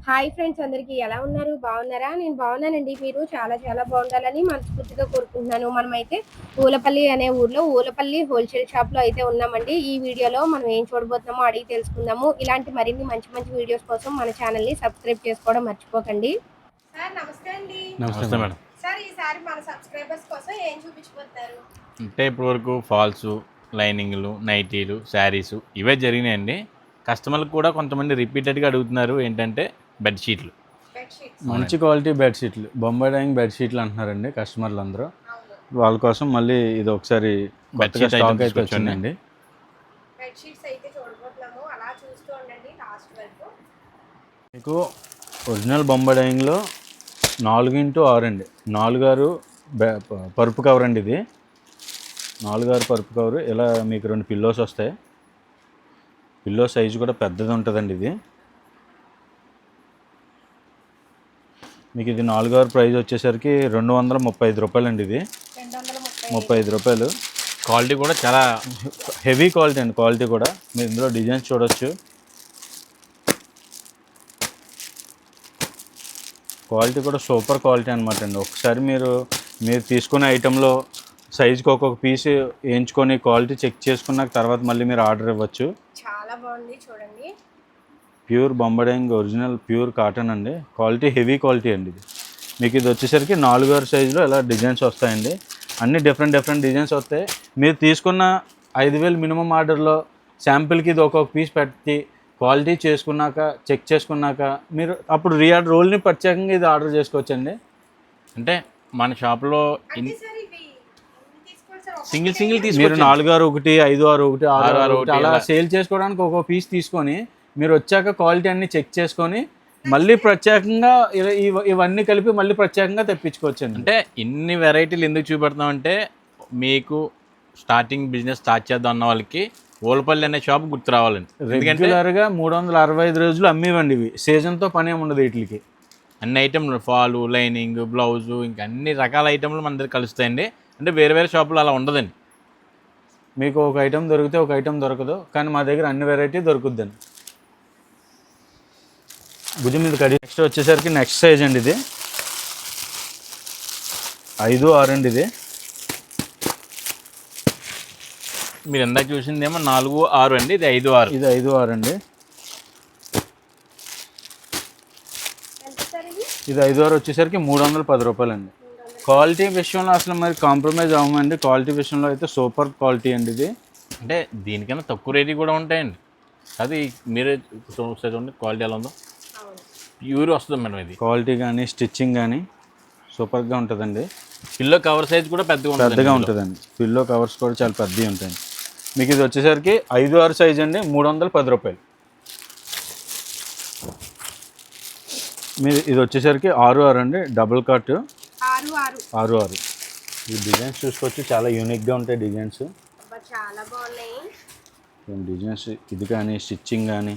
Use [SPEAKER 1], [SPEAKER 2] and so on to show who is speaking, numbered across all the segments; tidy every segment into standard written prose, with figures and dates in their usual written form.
[SPEAKER 1] Hi friends, అందరికీ ఎలా ఉన్నారు? బాగున్నారా? నేను బాగున్నానండి. మీరు చాలా చాలా బాగుండాలని మనస్ఫూర్తిగా కోరుకుంటున్నాను. మనమైతే ఊలపల్లి అనే ఊర్లో ఊలపల్లి హోల్సేల్ షాప్‌లో అయితే ఉన్నామండి. ఈ వీడియోలో మనం ఏం చూడబోతున్నామో అడిగి తెలుసుకుందాము. ఇలాంటి మరిన్ని మంచి మంచి వీడియోస్ కోసం మన ఛానల్‌ని సబ్స్క్రైబ్ చేసుకోవడం మర్చిపోకండి. సార్ నమస్తే అండి.
[SPEAKER 2] నమస్తే మేడం.
[SPEAKER 1] సార్ ఈసారి మన సబ్స్క్రైబర్స్ కోసం ఏం చూపించబోతున్నారు?
[SPEAKER 2] అంటే ఇప్పటివరకు ఫాల్సు, లైనింగ్లు, నైటీలు, శారీసు ఇవే జరిగినాయండి. కస్టమర్లు కూడా కొంతమంది రిపీటెడ్గా అడుగుతున్నారు ఏంటంటే బెడ్షీట్లు.
[SPEAKER 3] మంచి క్వాలిటీ బెడ్షీట్లు, బొంబాయి డైయింగ్ బెడ్షీట్లు అంటున్నారండి కస్టమర్లు అందరూ. వాళ్ళ కోసం మళ్ళీ ఇది ఒకసారి కొత్తగా స్టాక్ అయితే వచ్చిందండి.
[SPEAKER 1] బెడ్షీట్స్ అయితే చూడబోతున్నాము. అలా చూస్తూ ఉండండి లాస్ట్ వరకు.
[SPEAKER 3] మీకు ఒరిజినల్ బొంబాయి డైయింగ్లో 4x6 అండి. 4 పరుపు కవర్ అండి. ఇది 4 పరుపు కవర్. ఇలా మీకు 2 పిల్లోస్ వస్తాయి. పిల్లో సైజు కూడా పెద్దది ఉంటుందండి. ఇది మీకు ఇది 4 ప్రైస్ వచ్చేసరికి 235 రూపాయలు అండి. ఇది 235 రూపాయలు.
[SPEAKER 2] క్వాలిటీ కూడా చాలా
[SPEAKER 3] హెవీ క్వాలిటీ అండి. క్వాలిటీ కూడా మీరు ఇందులో డిజైన్స్ చూడొచ్చు. క్వాలిటీ కూడా సూపర్ క్వాలిటీ అనమాట అండి. ఒకసారి మీరు తీసుకునే ఐటెంలో సైజుకి ఒక్కొక్క పీస్ వేయించుకొని క్వాలిటీ చెక్ చేసుకున్నాక తర్వాత మళ్ళీ మీరు ఆర్డర్ ఇవ్వచ్చు.
[SPEAKER 1] చాలా బాగుంది చూడండి.
[SPEAKER 3] Pure Bombay dyeing original pure cotton అండి. క్వాలిటీ హెవీ క్వాలిటీ అండి. ఇది మీకు ఇది వచ్చేసరికి 4 సైజులో ఇలా డిజైన్స్ వస్తాయండి. అన్ని డిఫరెంట్ డిజైన్స్ వస్తాయి. మీరు తీసుకున్న 5,000 మినిమం ఆర్డర్లో శాంపిల్కి ఇది ఒక్కొక్క పీస్ పెట్టి క్వాలిటీ చేసుకున్నాక చెక్ చేసుకున్నాక మీరు అప్పుడు రీఆర్డర్ రోల్ని ప్రత్యేకంగా ఇది ఆర్డర్ చేసుకోవచ్చండి.
[SPEAKER 2] అంటే మన షాప్లో సింగిల్ తీసుకు
[SPEAKER 3] మీరు 4/1, 5/1, 6/1 అలా సేల్ చేసుకోవడానికి ఒక్కొక్క పీస్ తీసుకొని మీరు వచ్చాక క్వాలిటీ అన్ని చెక్ చేసుకొని మళ్ళీ ప్రత్యేకంగా ఇవన్నీ కలిపి మళ్ళీ ప్రత్యేకంగా తెప్పించుకోవచ్చండి.
[SPEAKER 2] అంటే ఇన్ని వెరైటీలు ఎందుకు చూపెడతామంటే మీకు స్టార్టింగ్ బిజినెస్ స్టార్ట్ చేద్దాం అన్న వాళ్ళకి ఊలపల్లి అనే షాప్ గుర్తు రావాలండి.
[SPEAKER 3] రెగ్యులర్గా 365 రోజులు అమ్మేవండి. ఇవి సీజన్తో పని ఏమి ఉండదు. వీటికి
[SPEAKER 2] అన్ని ఐటెంలు ఫాలు, లైనింగ్, బ్లౌజు ఇంకా అన్ని రకాల ఐటెంలు మన దగ్గర కలుస్తాయండి. అంటే వేరే షాపులో అలా ఉండదండి.
[SPEAKER 3] మీకు ఒక ఐటెం దొరికితే ఒక ఐటెం దొరకదు, కానీ మా దగ్గర అన్ని వెరైటీ దొరుకుద్దండి. భుజం మీద కడి. నెక్స్ట్ వచ్చేసరికి నెక్స్ట్ సైజ్ అండి. ఇది 5/6 అండి. ఇది
[SPEAKER 2] మీరు ఎందాక చూసిందేమో 4/6 అండి. ఇది 5/6.
[SPEAKER 3] ఇది 5/6 అండి. ఇది 5/6 వచ్చేసరికి 310 రూపాయలు అండి. క్వాలిటీ విషయంలో అసలు మరి కాంప్రమైజ్ అవ్వమండి. క్వాలిటీ విషయంలో అయితే సూపర్ క్వాలిటీ అండి. ఇది
[SPEAKER 2] అంటే దీనికన్నా తక్కువ రేటు కూడా ఉంటాయండి. అది మీరే చూడండి క్వాలిటీ ఎలా ఉందో. ప్యూర్ వస్తుంది మేడం. ఇది
[SPEAKER 3] క్వాలిటీ కానీ స్టిచ్చింగ్ కానీ సూపర్గా ఉంటుందండి.
[SPEAKER 2] పిల్లో కవర్ సైజ్ కూడా పెద్దగా
[SPEAKER 3] ఉంటుందండి. పిల్లో కవర్స్ కూడా చాలా పెద్దవి ఉంటాయి. మీకు ఇది వచ్చేసరికి 5/6 సైజ్ అండి. 310 రూపాయలు. మీరు ఇది వచ్చేసరికి 6/6 అండి. Double cut 6/6. ఈ డిజైన్స్ చూసుకోవచ్చు. చాలా యూనిక్గా ఉంటాయి డిజైన్స్.
[SPEAKER 1] చాలా బాగున్నాయి
[SPEAKER 3] డిజైన్స్. ఇది కానీ స్టిచ్చింగ్ కానీ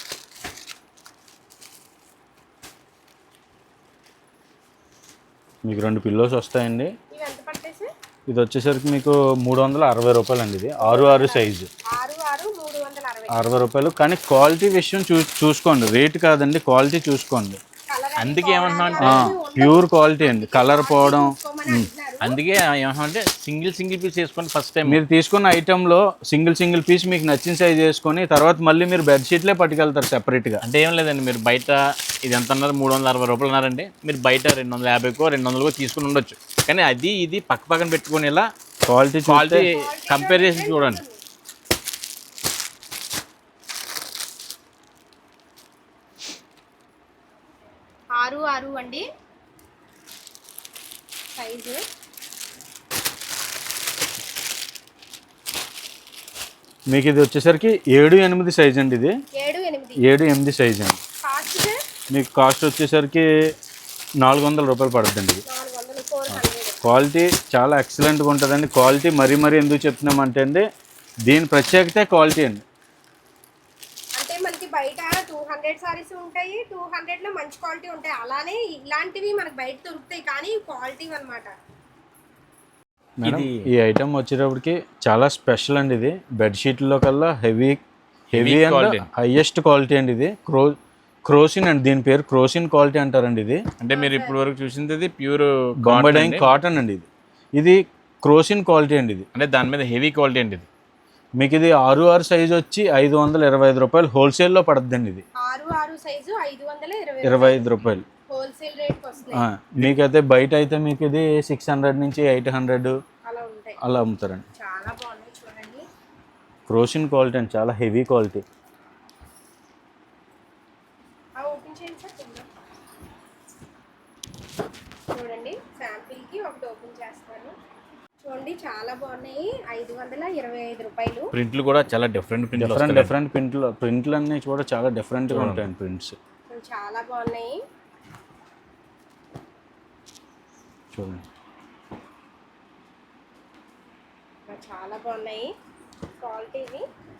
[SPEAKER 3] మీకు 2 పిల్లోస్ వస్తాయండి. ఇది వచ్చేసరికి మీకు 360 రూపాయలు అండి. ఇది 6/6 సైజు 60 రూపాయలు. కానీ క్వాలిటీ విషయం చూసుకోండి. రేట్ కాదండి, క్వాలిటీ చూసుకోండి.
[SPEAKER 2] అందుకే ఏమంటున్నా
[SPEAKER 3] ప్యూర్ క్వాలిటీ అండి. కలర్ పోవడం.
[SPEAKER 2] అందుకే ఏమంటే సింగిల్ పీస్ వేసుకోండి. ఫస్ట్ టైం
[SPEAKER 3] మీరు తీసుకున్న ఐటెంలో సింగిల్ పీస్ మీకు నచ్చిన సైజ్ వేసుకొని తర్వాత మళ్ళీ మీరు బెడ్షీట్లే పట్టుకెళ్తారు సెపరేట్గా.
[SPEAKER 2] అంటే ఏం లేదండి, మీరు బయట ఇది ఎంత అన్నారు 360 రూపాయలు అన్నారండి. మీరు బయట 250కో 200కో తీసుకుని ఉండొచ్చు. కానీ అది ఇది పక్కన పెట్టుకొని ఇలా క్వాలిటీ కంపేర్ చేసి చూడండి.
[SPEAKER 1] ఆరు అండి సైజు.
[SPEAKER 3] మీకు ఇది వచ్చేసరికి 7-8 సైజ్ అండి. ఇది 7-8 సైజ్ అండి. మీకు కాస్ట్ వచ్చేసరికి 400 రూపాయలు పడుతుందండి. ఇది క్వాలిటీ చాలా ఎక్సలెంట్గా ఉంటుందండి. క్వాలిటీ మరీ ఎందుకు చెప్తున్నామంటే అండి, దీని ప్రత్యేకత క్వాలిటీ అండి.
[SPEAKER 1] అంటే మనకి బయట 200 సారీస్ ఉంటాయి, 200లో మంచి క్వాలిటీ ఉంటాయి. అలానే ఇలాంటివి మనకి బయట దొరుకుతాయి, కానీ క్వాలిటీ అన్నమాట.
[SPEAKER 3] మేడం ఈ ఐటమ్ వచ్చేటప్పటికి చాలా స్పెషల్ అండి. ఇది బెడ్షీట్లో కల్లా హెవీ అండ్ హైయెస్ట్ క్వాలిటీ అండి. ఇది క్రోసిన్ అండి, దీని పేరు క్రోసిన్ క్వాలిటీ అంటారండి. ఇది
[SPEAKER 2] అంటే మీరు ఇప్పుడు వరకు చూసింది ప్యూర్
[SPEAKER 3] బొంబడైన్ కాటన్ అండి. ఇది క్రోసిన్ క్వాలిటీ అండి. ఇది
[SPEAKER 2] అంటే దాని మీద హెవీ క్వాలిటీ అండి. ఇది
[SPEAKER 3] మీకు ఇది 6 సైజ్ వచ్చి 525 రూపాయలు హోల్సేల్లో పడుతుందండి. ఇది
[SPEAKER 1] 6 సైజు
[SPEAKER 3] 525 రూపాయలు
[SPEAKER 1] హోల్సేల్ రేట్ వస్తుంది.
[SPEAKER 3] మీకైతే బయట అయితే మీకు ఇది 600 నుంచి 800
[SPEAKER 1] అలా ఉంటాయి,
[SPEAKER 3] అలా అమ్ముతారండి.
[SPEAKER 1] చాలా బాగున్నాయి చూడండి.
[SPEAKER 3] క్రోసిన్ క్వాలిటీ అండి, చాలా హెవీ క్వాలిటీ.
[SPEAKER 1] ఓపెన్ చేయండి సార్ కింద. చూడండి శాంపిల్ కి ఒకటి ఓపెన్ చేస్తాను. చూడండి చాలా బాగున్నాయి. 525 రూపాయలు.
[SPEAKER 2] ప్రింట్లు కూడా చాలా డిఫరెంట్
[SPEAKER 3] డిఫరెంట్ ప్రింట్లు అన్నీ కూడా చాలా డిఫరెంట్గా ఉంటాయండి ప్రింట్స్.
[SPEAKER 1] చాలా బాగున్నాయి
[SPEAKER 3] చూడండి,
[SPEAKER 1] చాలా బాగున్నాయి క్వాలిటీవి.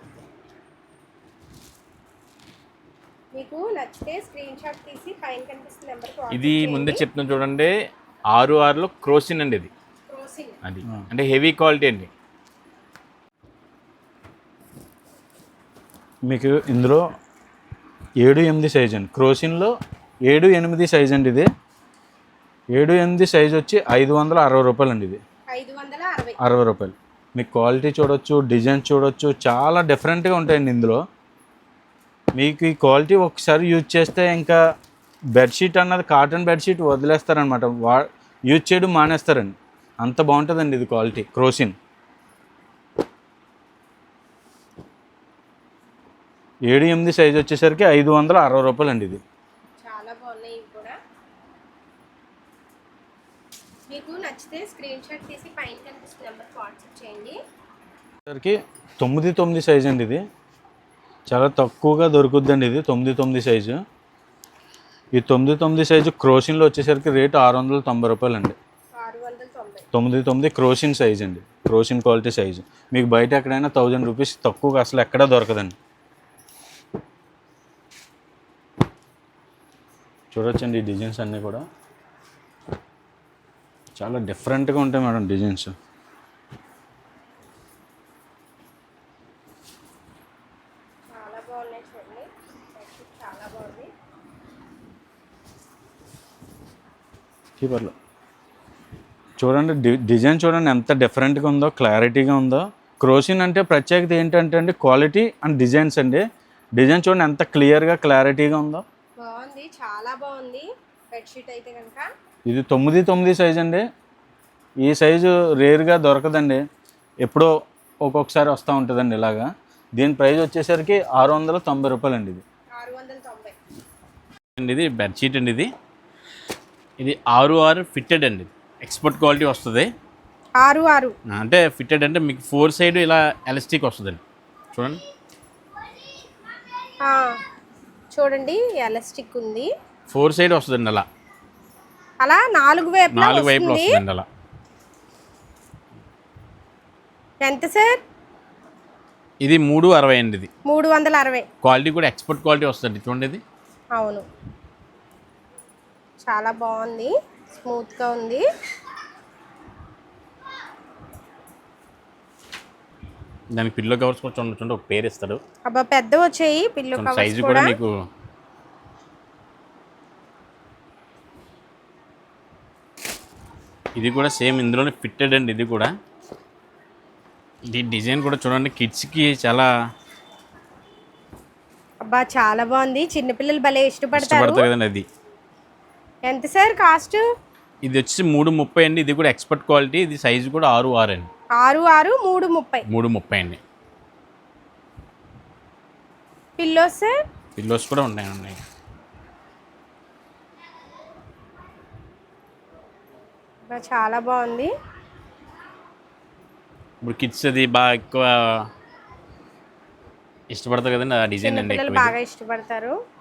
[SPEAKER 1] మీకు నచ్చితే స్క్రీన్ షాట్ తీసి పైన కనిపిస్తున్న నెంబర్కి
[SPEAKER 2] ఇది ముందే చెప్తున్నాను చూడండి. 6 క్రోసిన్ అండి. ఇది
[SPEAKER 1] క్రోసిన్
[SPEAKER 2] అది అంటే హెవీ క్వాలిటీ అండి.
[SPEAKER 3] మీకు ఇందులో 7-8 సైజ్ అండి. క్రోసిన్లో 7-8 సైజ్ అండి. ఇది 7-8 సైజ్ వచ్చి 560 రూపాయలు అండి. ఇది 560 రూపాయలు. మీకు క్వాలిటీ చూడొచ్చు, డిజైన్ చూడొచ్చు, చాలా డిఫరెంట్గా ఉంటాయండి ఇందులో. మీకు ఈ క్వాలిటీ ఒకసారి యూజ్ చేస్తే ఇంకా బెడ్షీట్ అన్నది కాటన్ బెడ్షీట్ వదిలేస్తారనమాట, యూజ్ చేయడం మానేస్తారండి. అంత బాగుంటుందండి ఇది క్వాలిటీ క్రోసిన్. 7-8 సైజ్ వచ్చేసరికి 560 రూపాయలు అండి. ఇది
[SPEAKER 1] చాలా బాగున్నాయి. ఇవి కూడా మీకు నచ్చితే స్క్రీన్ షాట్ తీసి పైన కనిపిస్తున్న నెంబర్కి వాట్సాప్ చేయండి.
[SPEAKER 3] సరికి 9-9 సైజ్ అండి. ఇది చాలా తక్కువగా దొరుకుద్దండి. ఇది 9-9 సైజు. ఈ 9-9 సైజు క్రోసిన్లో వచ్చేసరికి రేటు 690 రూపాయలు అండి. 9-9 క్రోసిన్ సైజ్ అండి, క్రోసిన్ క్వాలిటీ సైజు. మీకు బయట ఎక్కడైనా 1000 రూపీస్ తక్కువగా అసలు ఎక్కడా దొరకదండి. చూడొచ్చండి ఈ డిజైన్స్ అన్నీ కూడా చాలా డిఫరెంట్గా ఉంటాయి మేడం డిజైన్స్.
[SPEAKER 1] చాలా బాగున్నాయి చూడండి, చాలా బాగుంది.
[SPEAKER 3] కీపర్లో చూడండి డిజైన్ చూడండి ఎంత డిఫరెంట్గా ఉందో, క్లారిటీగా ఉందో. క్రోసిన్ అంటే ప్రత్యేకత ఏంటంటే అండి క్వాలిటీ అండ్ డిజైన్స్ అండి. డిజైన్ చూడండి ఎంత క్లియర్గా క్లారిటీగా ఉందో.
[SPEAKER 1] బాగుంది, చాలా బాగుంది బెడ్షీట్ అయితే కనుక.
[SPEAKER 3] ఇది 9-9 సైజ్ అండి. ఈ సైజు రేర్గా దొరకదండి, ఎప్పుడో ఒక్కొక్కసారి వస్తూ ఉంటుందండి ఇలాగా. దీని ప్రైస్ వచ్చేసరికి 690 రూపాయలు అండి. ఇది
[SPEAKER 1] 690
[SPEAKER 2] ఇది బెడ్షీట్ అండి. ఇది 6 ఫిట్టెడ్ అండి, ఎక్స్పోర్ట్ క్వాలిటీ వస్తుంది.
[SPEAKER 1] 6
[SPEAKER 2] అంటే ఫిట్టెడ్ అంటే మీకు 4 సైడ్ ఇలా ఎలాస్టిక్ వస్తుందండి. చూడండి
[SPEAKER 1] చూడండి ఎలాస్టిక్ ఉంది,
[SPEAKER 2] 4 సైడ్ వస్తుందండి. అలా
[SPEAKER 1] అలా 4 వైపులా
[SPEAKER 2] వస్తుందండి. అలా
[SPEAKER 1] ఎంత సార్?
[SPEAKER 2] ఇది 360 అండి. ఇది
[SPEAKER 1] 360.
[SPEAKER 2] క్వాలిటీ కూడా ఎక్స్పోర్ట్ క్వాలిటీ వస్తుంది చూడండి. ఇది
[SPEAKER 1] అవును, చాలా బాగుంది, స్మూత్గా ఉంది.
[SPEAKER 2] దానికి పిల్లో కవర్స్ కూడా చూడండి, ఒక పేరు ఇస్తాడు.
[SPEAKER 1] అబ్బా పెద్ద వచ్చాయి పిల్లో కవర్స్
[SPEAKER 2] సైజు కూడా మీకు. ఇది కూడా సేమ్ ఇందులోనే ఫిట్టెడ్ అండి. ఇది కూడా ఇది డిజైన్ కూడా చూడండి, కిడ్స్కి చాలా
[SPEAKER 1] అబ్బా చాలా బాగుంది, చిన్నపిల్లలు భలే ఇష్టపడతారు
[SPEAKER 2] కదండి. అది
[SPEAKER 1] ఎంత సార్ కాస్ట్?
[SPEAKER 2] ఇది వచ్చి 330 అండి. ఇది కూడా ఎక్స్పర్ట్ క్వాలిటీ. ఇది సైజు కూడా 6 అండి.
[SPEAKER 1] 6 330.
[SPEAKER 2] 330 అండి.
[SPEAKER 1] Pillows sir?
[SPEAKER 2] పిల్లోస్ కూడా ఉన్నాయండి.
[SPEAKER 1] చాలా బాగుంది.
[SPEAKER 2] ఇప్పుడు కిడ్స్ అది బాగా ఎక్కువ ఇష్టపడతారు కదండి, ఆ డిజైన్ అండి
[SPEAKER 1] బాగా ఇష్టపడతారు.